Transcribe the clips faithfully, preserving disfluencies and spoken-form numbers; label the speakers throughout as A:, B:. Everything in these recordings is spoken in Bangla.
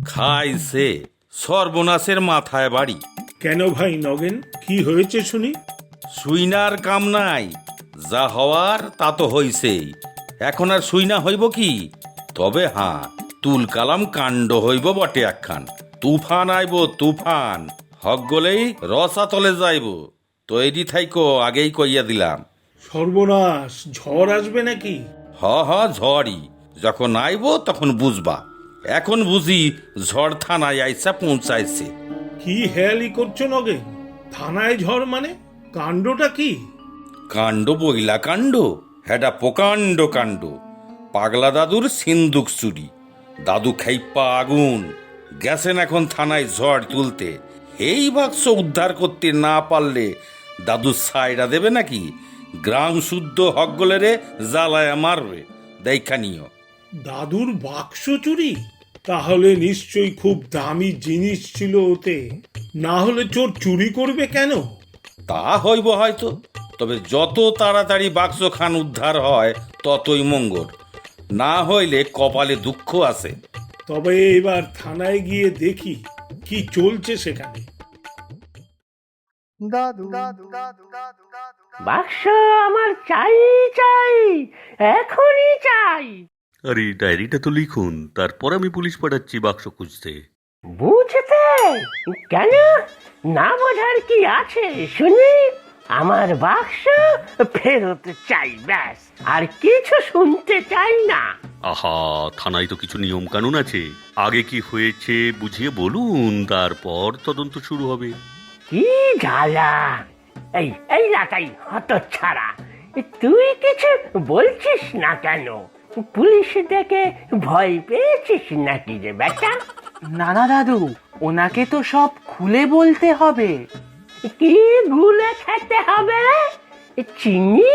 A: খাইছে সর্বনাশের মাথায় বাড়ি।
B: কেন ভাই নগেন, কি হয়েছে শুনি?
A: সুইনার কাম নাই, যা হওয়ার তা তো হইছেই, এখন আর সুইনা হইব কি? তবে হাঁ, তুল কালাম কাণ্ড হইব বটে একখান। তুফান আইব তুফান, হক গলেই রসা তলে যাইব। তৈরি থাইকো, আগেই কইয়া দিলাম।
B: সর্বনাশ, ঝড় আসবে নাকি?
A: হ হ ঝড়ই, যখন আইব তখন বুঝবা। এখন বুঝি ঝড় থানায় আইসা পৌঁছাইছে।
B: কি হেয়ালি করছো নগেন? থানায় ঝড় মানে? কাণ্ডটা কি?
A: কাণ্ড বইলা কাণ্ড, হেডা প্রকাণ্ড কাণ্ড। পাগলা দাদুর সিন্দুক চুরি, দাদু খাইপা আগুন। গেছেন এখন থানায় ঝড় তুলতে। এই বাক্স উদ্ধার করতে না পারলে দাদু সাইডা দেবে নাকি? গ্রাম শুদ্ধ হকগলেরে জ্বালায় মারবে, দেখা নিও।
B: দাদুর বাক্স চুরি? তাহলে নিশ্চয়ই খুব দামি জিনিস ছিল ওতে, না হলে চোর চুরি করবে কেন?
A: তা হইব হয়তো, তবে যত তাড়াতাড়ি বাক্স খান উদ্ধার হয় ততই মঙ্গল। না হইলে কপালে দুঃখ আছে।
B: তবে এবার থানায় গিয়ে দেখি কি চলছে সেখানে।
C: বাক্স আমার চাই চাই, এখনই চাই।
D: আরে ডায়েরিটা তো লিখুন, তারপর আমি পুলিশ পাঠাচ্ছি বাক্স খুঁজতে।
C: বুঝতে কেন? না বোঝার কি আছে শুনি? আমার বাক্স ফেরত চাই, ব্যাস, আর কিছু শুনতে চাই না।
D: আহা, থানায় তো কিছু নিয়ম কানুন আছে। আগে কি হয়েছে বুঝিয়ে বলুন, তারপর তদন্ত শুরু হবে।
C: কি জ্বালা! এই এই লাটাই হত ছাড়া, তুই কিছু বলছিস না কেন? পুলিশ দেখে ভয় পেয়েছিস নাকি রে বেটা?
E: না না দাদু, ওনাকে তো সব খুলে বলতে হবে।
C: কি গুলে খেতে হবে? চিনি?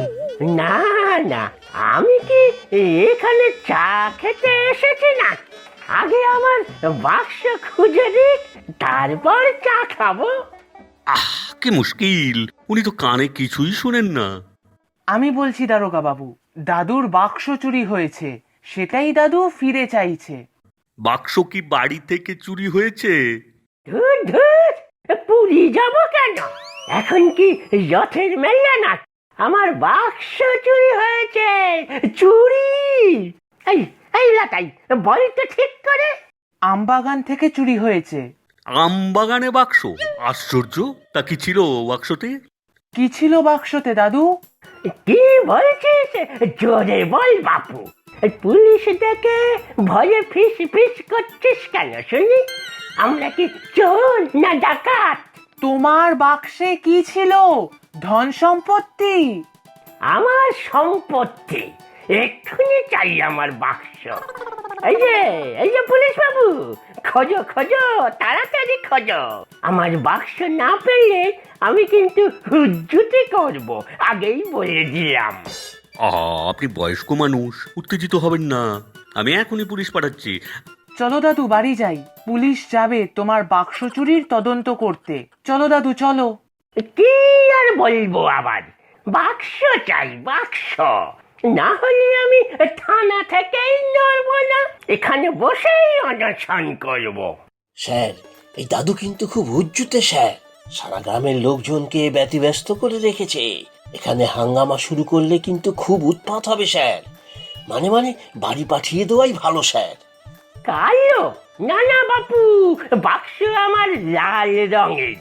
C: না না, আমি কি এখানে চা খেতে এসেছি না? আগে আমার বাক্স খুঁজে দিক, তারপর চা খাবো।
D: আহ, কি মুশকিল, উনি তো কানে কিছুই শুনেন না।
E: আমি বলছি দারোগা বাবু, দাদুর বাক্স চুরি হয়েছে, সেটাই দাদু ফিরে চাইছে।
D: বাক্স কি বাড়ি থেকে চুরি হয়েছে?
C: ধুর ধুর, পুরী যাবো কেন? এখন কি রথের মেলা না? আমার বাক্স চুরি হয়েছে, চুরি! এই এই লাটাই, বল তো ঠিক করে।
E: আমবাগান থেকে চুরি হয়েছে।
D: আম বাগানে বাক্স? আশ্চর্য, তা কি ছিল বাক্সতে?
E: কি ছিল বাক্সতে দাদু?
C: কি বলছিস? জোরে বল বাপু। পুলিশ দেখে ভয়ে ফিস ফিস করছিস কেন শুনি? আমরা কি চোর না ডাকাত?
E: তোমার বাক্সে কি ছিল? ধন সম্পত্তি?
C: আমার সম্পত্তি এক্ষুনি চাই, আমার বাক্স। এই যে এই যে পুলিশ বাবু, খোঁজো খোঁজো, তাড়াতাড়ি খোঁজো। আমার বাক্স না পেলে আমি কিন্তু হুজ্জুতি করব, আগেই বলে দিলাম।
D: আহা, আপনি বয়স্ক মানুষ, উত্তেজিত হবেন না। আমি এখনই পুলিশ পাঠাচ্ছি।
E: চলো দাদু, বাড়ি যাই। পুলিশ যাবে তোমার বাক্স চুরির তদন্ত করতে। চলো দাদু, চলো।
C: কি আর বলবো আবার, বাক্স চাই, বাক্স। না হলে আমি থানা থেকেই নড়বো না, এখানে বসেই অনশন করবো।
F: স্যার, এই দাদু কিন্তু খুব হুজ্জুতে স্যার। সারা গ্রামের লোকজনকে ব্যতিব্যস্ত করে রেখেছে। এখানে হাঙ্গামা শুরু করলে কিন্তু খুব উৎপাত হবে স্যার। মানে মানে বাড়ি পাঠিয়ে দেওয়াই ভালো স্যার।
C: কালো? না না বাপু, বাক্স আমার লাল রঙের।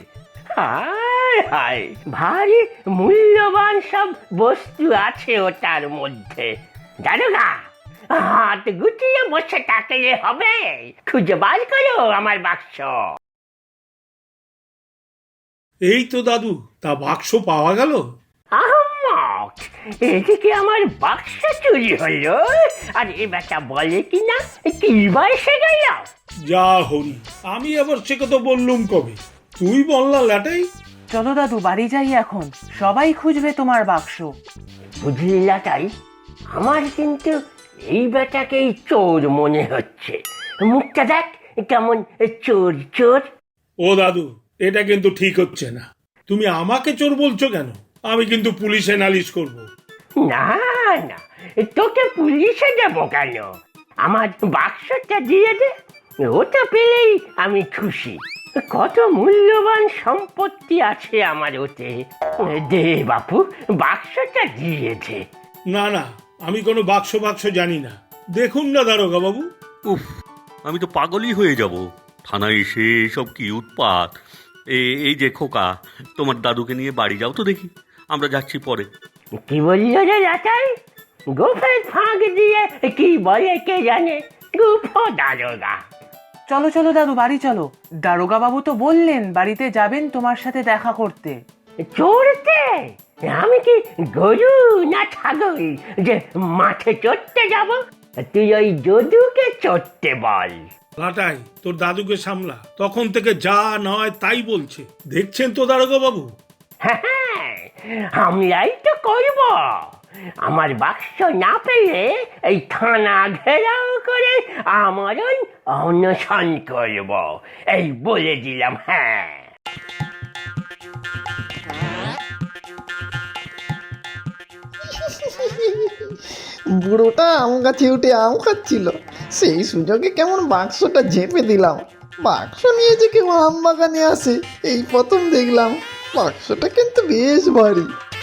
C: হায় হায়, ভারী মূল্যবান সব বস্তু আছে ওটার মধ্যে। দারোগা, হাত গুটিয়ে বসে থাকলে হবে, খুঁজে বার করো আমার বাক্স।
B: এই তো দাদু, তা বাক্স পাওয়া গেল?
C: আহম্মক, এদিকে আমার বাক্স চুরি হলো, আর এ বেটা বলে কিনা কি বা এসে গেল।
B: যা হরি, আমি আবার সে কথা বললুম কবে? তুই বললা লাটাই।
E: চলো দাদু, বাড়ি যাই এখন। সবাই খুঁজবে তোমার বাক্স।
C: বুঝলি লাটাই, আমার কিন্তু এই বেটাকেই চোর মনে হচ্ছে। মুখটা দেখ কেমন চোর চোর।
B: ও দাদু, এটা কিন্তু ঠিক হচ্ছে না। তুমি আমাকে চোর বলছো কেন? আমি কিন্তু পুলিশে নালিশ করব।
C: না না, তোকে পুলিশে দেবো কেন? আমার বাক্সটা দিয়ে দে, ওটা পেলেই আমি খুশি। কত মূল্যবান সম্পত্তি আছে আমার ওতে। দে বাপু, বাক্সটা দিয়েছে।
B: না না, আমি কোনো বাক্স বাক্স জানি না। দেখুন না দারোগা বাবু।
D: উফ, আমি তো পাগলই হয়ে যাব। থানায় এসে সব কি উৎপাত। এ- এই যে খোকা, তোমার দাদুকে নিয়ে বাড়ি যাও তো দেখি, আমরা যাচ্ছি পরে।
C: কি বলল রে লাটাই? গোফের ফাঁক দিয়ে কি বলে কে জানে? গুফো দারোগা।
E: চলো চলো দাদু, বাড়ি চলো। দারোগা বাবু তো বললেন বাড়িতে যাবেন তোমার সাথে দেখা করতে।
C: চড়তে? আমি কি গরু না ছাগল যে মাঠে চড়তে যাব? তুই ওই যদুকে চড়তে বল।
B: লাটাই, তোর দাদুকে সামলা। তখন থেকে যা নয় তাই বলছে। দেখছেন তো দারোগা বাবু?
C: হ্যাঁ, আমরাই তো করব। আমার বাক্স না পেলে এই থানা ঘেরাও করে আমরণ অনশন করব, এই বলে দিলাম। হ্যাঁ,
G: বুড়োটা আম গাছে উঠে আম খাচ্ছিল, সেই সুযোগে কেমন বাক্সটা ঝেপে দিলাম। বাক্স নিয়ে যে কেউ আম বাগানে আসে এই প্রথম দেখলাম। বাক্সটা কিন্তু বেশ ভারী।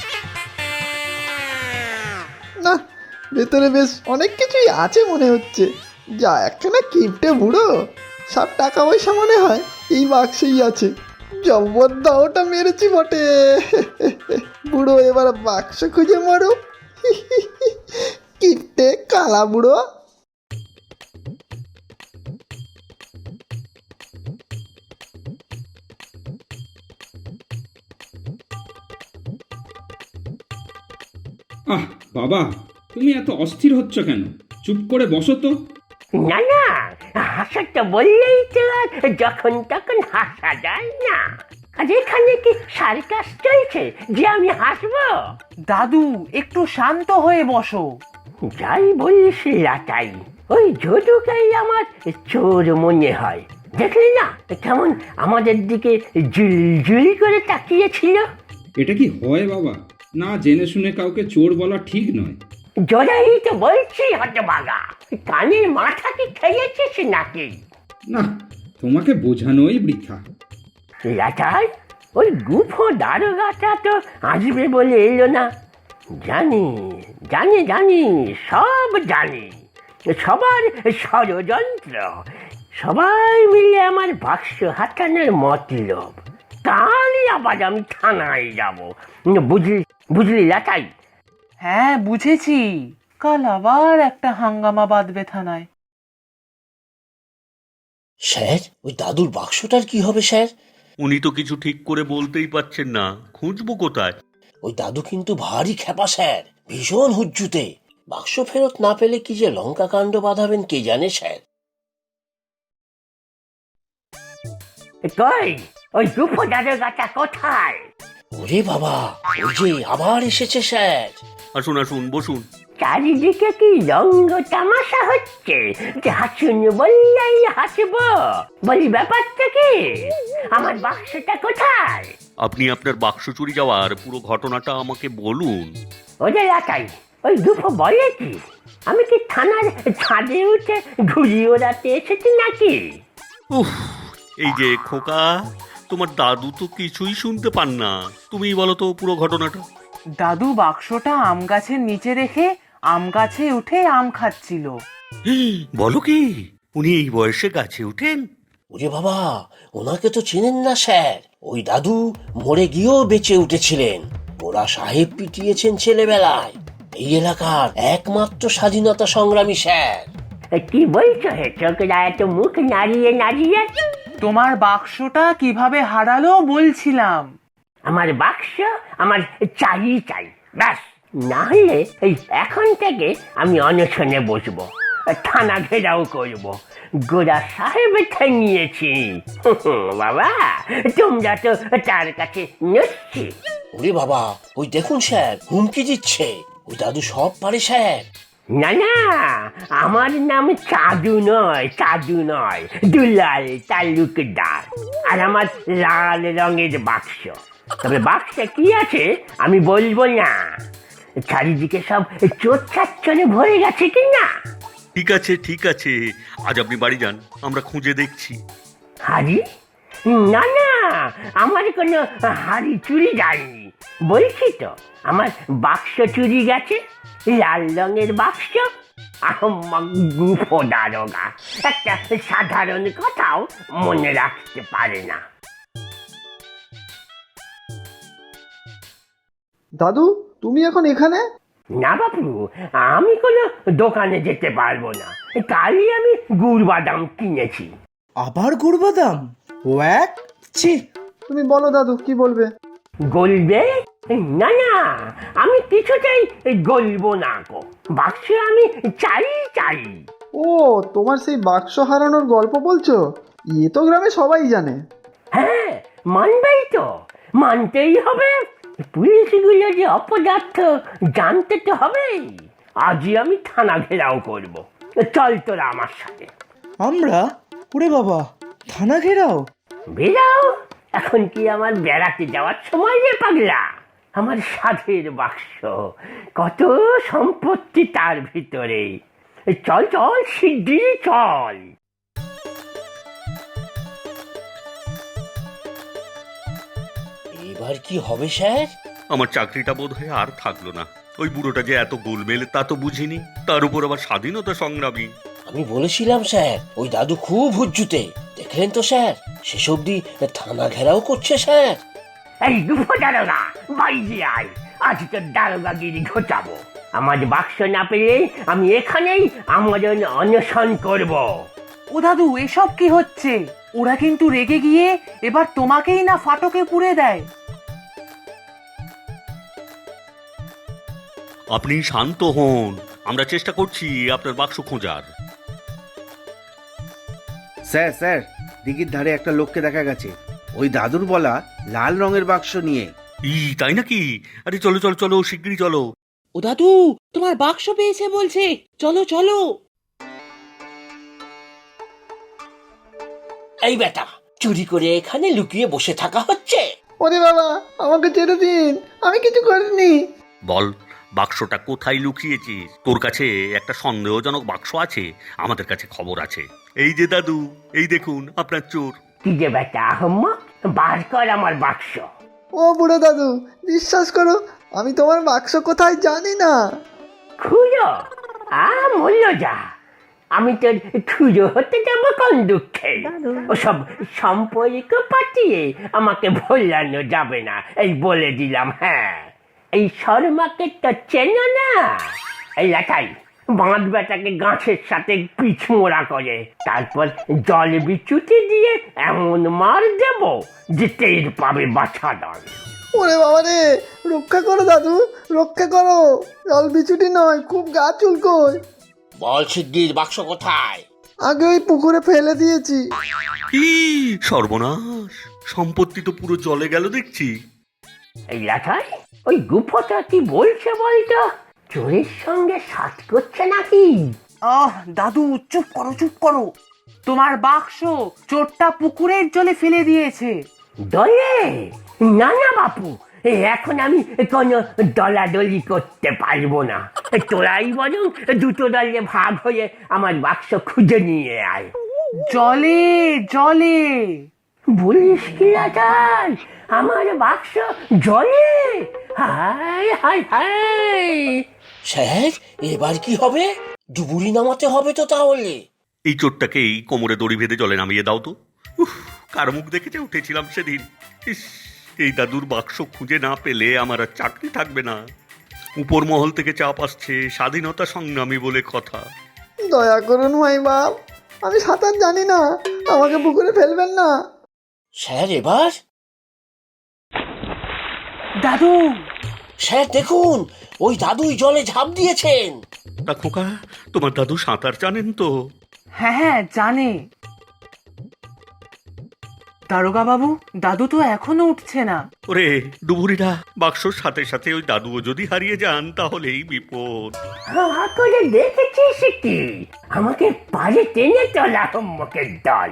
G: না, ভেতরে বেশ অনেক কিছুই আছে মনে হচ্ছে। যা একখানা কিপটে বুড়ো, সব টাকা পয়সা মনে হয় এই বাক্সেই আছে। জবরদস্ত মেরেছি বটে। বুড়ো এবার বাক্স খুঁজে মারো। কিপটে কালা বুড়ো।
H: আহ বাবা, তুমি এত অস্থির হচ্ছ কেন? চুপ করে বসো তো।
C: না না, হাসাটা বললেই তো আর যখন তখন হাসা যায় না। আর এখানে কি সার্কাস চলছে যে আমি হাসবো?
E: দাদু, একটু শান্ত হয়ে বসো।
C: যাই বলিস লাটাই, ওই যদুকেই আমার চোর মনে হয়। দেখলি না কেমন আমাদের দিকে জুলজুলি করে তাকিয়েছিল?
H: এটা কি হয় বাবা? না জেনে শুনে কাউকে চোর বলা ঠিক নয়।
C: জোরাই তো বলছি হতভাগা, কানের মাথা কি খেয়েছিস নাকি?
H: না, তোমাকে বোঝানোই বৃথা।
C: লাটাই, ওই গুফো দারোগাটা তো আসবে বলে এলো না। জানি জানি জানি, সব জানি। সবার ষড়যন্ত্র, সবাই মিলে আমার বাক্স হাতানোর মতলব। কালই আবার আমি থানায় যাব। বুঝলি বুঝলি লাটাই?
E: হ্যাঁ, বুঝেছি। কাল আবার একটা হাঙ্গামা বাঁধবে থানায়।
F: স্যার, ওই দাদুর বাক্সটার কি হবে স্যার?
D: উনি তো কিছু ঠিক করে বলতেই পারছেন না, খুঁজবো কোথায়?
F: ওই দাদু কিন্তু ভারী খেপা স্যার, ভীষণ হুজ্জুতে। বাক্স ফেরত না পেলে কি যে লঙ্কা কাণ্ড বাঁধাবেন কে জানে স্যার।
C: কই ওই গুফো দারোগাটা কোথায়?
F: ওরে বাবা, ওই যে আবার এসেছে স্যার।
D: আসুন আসুন, বসুন।
C: চারিদিকে কি রঙ্গ তামাশা হচ্ছে যে হাসুন বললেই হাসবো? বলি ব্যাপারটা কি? আমার বাক্সটা কোথায়?
D: আপনি আপনার বাক্স চুরি যাওয়ার পুরো ঘটনাটা আমাকে বলুন।
C: ওদের একাই ওই দুটো বলে কি? আমি কি থানার ছাদে উঠে ঘুরি ওড়াতে এসেছি নাকি?
D: উফ, এই যে খোকা, তোমার দাদু তো কিছুই শুনতে পান না। তুমিই বলো তো পুরো ঘটনাটা।
E: দাদু বাক্সটা আম গাছের নিচে রেখে আম গাছে উঠে আম খাচ্ছিল।
D: বলো কি, উনি এই বয়সে গাছে উঠেন?
F: ওরে বাবা, ওনাকে তো চেনেন না স্যার। ওই দাদু মরে গিয়েও বেঁচে উঠেছিলেন। ওরা সাহেব পিটিয়েছেন ছেলেবেলায়। এই এলাকার একমাত্র স্বাধীনতা সংগ্রামী স্যার।
C: কি বলছো হে চোখরা এত মুখ নাড়িয়ে নাড়িয়ে?
E: তোমার বাক্সটা কিভাবে হারালো বলছিলাম।
C: আমার বাক্স আমার চাই চাই, ব্যাস। না হলে এই এখন থেকে আমি অনশনে বসবো, থানা ঘেরাও করবো। গোড়া সাহেব ঠেঙিয়েছি। বাবা, তোমরা তো তার কাছে নচ্ছি।
F: ওরে বাবা, ওই দেখুন স্যার, হুমকি দিচ্ছে। ওই দাদু সব পারে স্যার।
C: না না, আমার নাম চাদু নয়, চাদু নয়, দুলাল তালুকদার। আর আমার লাল রঙের বাক্স। তবে বাক্সে কি আছে আমি বলবো না। চারিদিকে সব চোর চাচ্চরে ভরে গেছে কিনা
D: ঠিক আছে ঠিক আছে, আজ আপনি বাড়ি যান, আমরা খুঁজে দেখছি।
C: হাড়ি? না না, আমার কোনো হাড়ি চুরি যায়নি। বলছি তো, আমার বাক্স চুরি গেছে, লাল রঙের বাক্স। আহম্মক গুফো দারোগা একটা সাধারণ কথাও মনে রাখতে পারে না।
G: দাদু তুমি এখন এখানে?
C: না বাপু, আমি কোনো দোকানে যেতে পারবো না। কালই আমি গুড় বাদাম কিনেছি।
I: আবার গুড় বাদাম? ওয়াক ছি!
G: তুমি বলো দাদু কি বলবে?
C: গলবে? না না, আমি কিছুতেই গলবো না গো। বাক্স আমি চাই চাই।
G: ও তোমার সেই বাক্স হারানোর গল্প বলছো? এ তো গ্রামে সবাই জানে।
C: হ্যাঁ, মানবেই তো, মানতেই হবে। পুলিশগুলো যে অপদার্থ জানতে তো হবেই। আজই আমি থানা ঘেরাও করব। চল তোরা আমার সাথে।
I: আমরা? ওরে বাবা, থানা ঘেরাও?
C: বেরাও, এখন কি আমার বেড়াতে যাওয়ার সময় রে পাগলা? আমার সাধের বাক্স, কত সম্পত্তি তার ভিতরে। চল চল, শিগগিরই চল।
F: এবার কি হবে স্যার?
D: আমার চাকরিটা বোধ হয় আর থাকলো না। ওই বুড়োটা যে এত গোলমেল তা তো বুঝিনি, তার উপর আবার স্বাধীনতা সংগ্রামী।
F: আমি বলেছিলাম স্যার, ওই দাদু খুব হুজ্জুতে। দেখলেন তো স্যার, শেষ অবধি থানা ঘেরাও করছে স্যার।
C: এই দুফো দারোগা, বাইরে আয়, আজ তোর দারোগাগিরি ঘটাবো। আমার বাক্স না পেলে আমি এখানেই আমরণ অনশন করব।
E: ও দাদু, এসব কি হচ্ছে? ওরা কিন্তু রেগে গিয়ে এবার তোমাকেই না ফাটকে পুড়ে দেয়।
D: আপনি শান্ত হন, আমরা চেষ্টা করছি আপনার বাক্স খোঁজার।
J: স্যার স্যার দিঘির ধারে একটা লোককে দেখা গেছে, ওই দাদুর বলা লাল রঙের বাক্স নিয়ে।
D: ই তাই নাকি? আরে চলো চলো চলো, শিগগিরই চলো।
E: ও দাদু, তোমার বাক্স পেয়েছে বলছে, চলো চলো।
F: এই বেটা, চুরি করে এখানে লুকিয়ে বসে থাকা হচ্ছে?
G: ওরে বাবা, আমাকে ছেড়ে দিন, আমি কিছু করিনি।
D: বল, বাক্সটা কোথায় লুকিয়েছিস? তোর কাছে একটা সন্দেহজনক বাক্স আছে, আমাদের কাছে খবর আছে। এই যে দাদু, এই দেখুন আপনার চোর।
C: কি যে বেটা আহম্মক, বার কর আমার বাক্স।
G: ও বুড়ো দাদু, বিশ্বাস করো, আমি তোমার বাক্স কোথায় জানি না।
C: খুঁজো? আ মূল্য যা, আমি তোর খুঁজো হতে যাবো কোন দুঃখে? ওসব সম্পর্ক পাঠিয়ে আমাকে ভোলানো যাবে না, এই বলে দিলাম। হ্যাঁ, এই শর্মাকে তো চেনো না? এই লাটাই, বাঁধ বেটাকে গাছের সাথে পিছ মোড়া করে, তারপর জল বিচুতি দিয়ে এমন মার দেব যে টের পাবে বাছা দল।
G: ওরে বাবা রে, রক্ষা করো দাদু, রক্ষা করো। জল বিছুটি নয়, খুব গা চুলকোয়।
F: বল শিগগির, বাক্স কোথায়?
G: আগে ওই পুকুরে ফেলে দিয়েছি।
D: কি সর্বনাশ, সম্পত্তি তো পুরো জলে গেল দেখছি।
C: এই লাটাই, ওই গুফটা কি বলছে বলতো? চোরের সঙ্গে সাথ করছে নাকি?
E: আহ দাদু, চুপ করো চুপ করো। তোমার বাক্স চোরটা পুকুরের জলে ফেলে দিয়েছে।
C: দলে? না না বাপু, এখন আমি কোনো দলাদলি করতে পারবো না। তোরাই বরং দুটো দলে ভাগ হয়ে আমার বাক্স খুঁজে নিয়ে আয়।
E: জলে জলে?
C: বলিস কি লাটাই, আমার বাক্স জলে? হায় হায় হায়!
F: স্যার, এবার কি হবে? ডুবুরি নামাতে হবে তো তাহলে।
D: এই চোরটাকেই কোমরে দড়ি বেঁধে জলে নামিয়ে দাও তো। উফ, কার মুখ দেখেছে উঠেছিলাম সেদিন। ইস, এই দাদুর বাক্স খুঁজে না পেলে আমার আর চাকরি থাকবে না। উপর মহল থেকে চাপ আসছে, স্বাধীনতা সংগ্রামী বলে কথা।
G: দয়া করুন ভাই বাপ, আমি সাঁতার জানি না, আমাকে পুকুরে ফেলবেন না।
F: স্যার এবার?
E: দাদু!
F: স্যার দেখুন, ওই দাদুই জলে ঝাঁপ দিয়েছেন।
D: তা খোকা, তোমার দাদু সাঁতার জানেন তো?
E: হ্যাঁ হ্যাঁ, জানে। দারোগা বাবু, দাদু তো এখনো উঠছে না।
D: ওরে ডুবুরিরা, বাক্সর সাথে সাথে ওই দাদুও যদি হারিয়ে যান তাহলেই বিপদ।
C: হা করে দেখেছিস কি? আমাকে পারে টেনে তোলা আহম্মকের দল।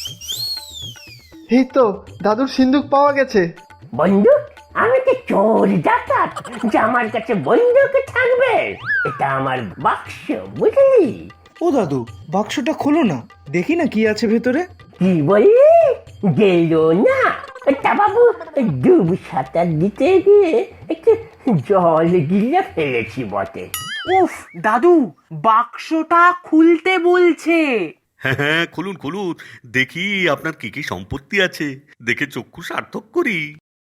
G: এই তো দাদুর সিন্দুক পাওয়া গেছে।
C: বন্দুক? আমি তো চোর ডাকাত যে আমার কাছে বন্দুক থাকবে? এটা আমার বাক্স, বুঝলি?
I: ও দাদু, বাক্সটা খোলো না, দেখি না কি আছে ভেতরে।
C: কি বললি? গেল না? তা বাবু, ডুব সাঁতার দিতে গিয়ে একটু জল গিলে ফেলেছি বটে।
E: উফ দাদু, বাক্সটা খুলতে বলছে।
D: হ্যাঁ হ্যাঁ, খুলুন খুলুন, দেখি আপনার কি কি সম্পত্তি আছে, দেখে চক্ষু সার্থক করি।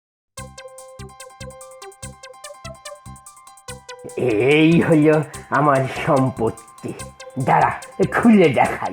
C: এই হলো আমার সম্পত্তি, দাঁড়া খুলে দেখাই।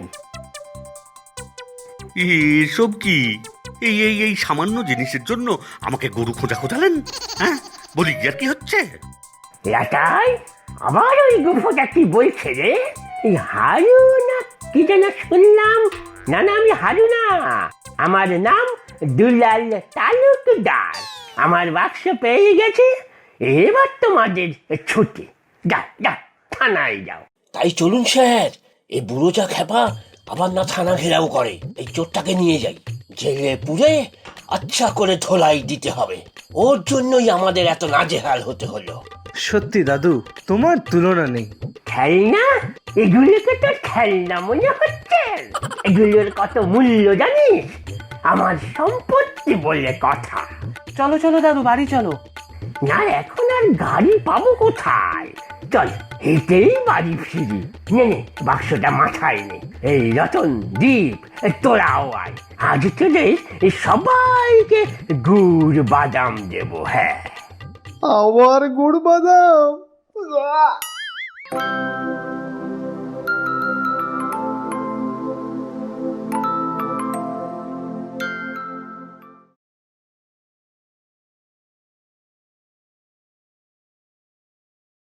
D: এসব কি? এই এই এই সামান্য জিনিসের জন্য আমাকে গরু খোঁজা খোঁজালেন? হ্যাঁ, বলি আর কি হচ্ছে?
C: লাটাই, আবার ওই গুফোটা কি বলছে রে? এই হারু না কি যেন শুনলাম? না না, আমি হারু না, আমার নাম দুলাল তালুকদার। আমার বাক্স পেয়ে গেছে, এবার তোমাদের ছুটি। যাও যাও, থানায় যাও।
F: তাই চলুন স্যার, এই বুড়ো যা খেপা, আবার না থানা ঘেরাও করে। এই চোরটাকে নিয়ে যাই, জেলে পুরে আচ্ছা করে ধোলাই দিতে হবে। ওর জন্যই আমাদের এত নাজেহাল হতে হলো।
I: সত্যি দাদু, তোমার তুলনা নেই।
C: খেলনা? এগুলোকে তো খেলনা মনে হচ্ছে? এগুলোর কত মূল্য জানিস? আমার সম্পত্তি বলে কথা।
E: চলো চলো দাদু, বাড়ি চলো।
C: না, এখন আর গাড়ি পাবো কোথায়? চল হেঁটেই বাড়ি ফিরি। নে নে, বাক্সটা মাথায় নে। এই রতন, দীপ, তোরাও আয়। আজ তোদের সবাইকে গুড় বাদাম দেবো। হ্যাঁ,
G: আবার গুড় বাদাম।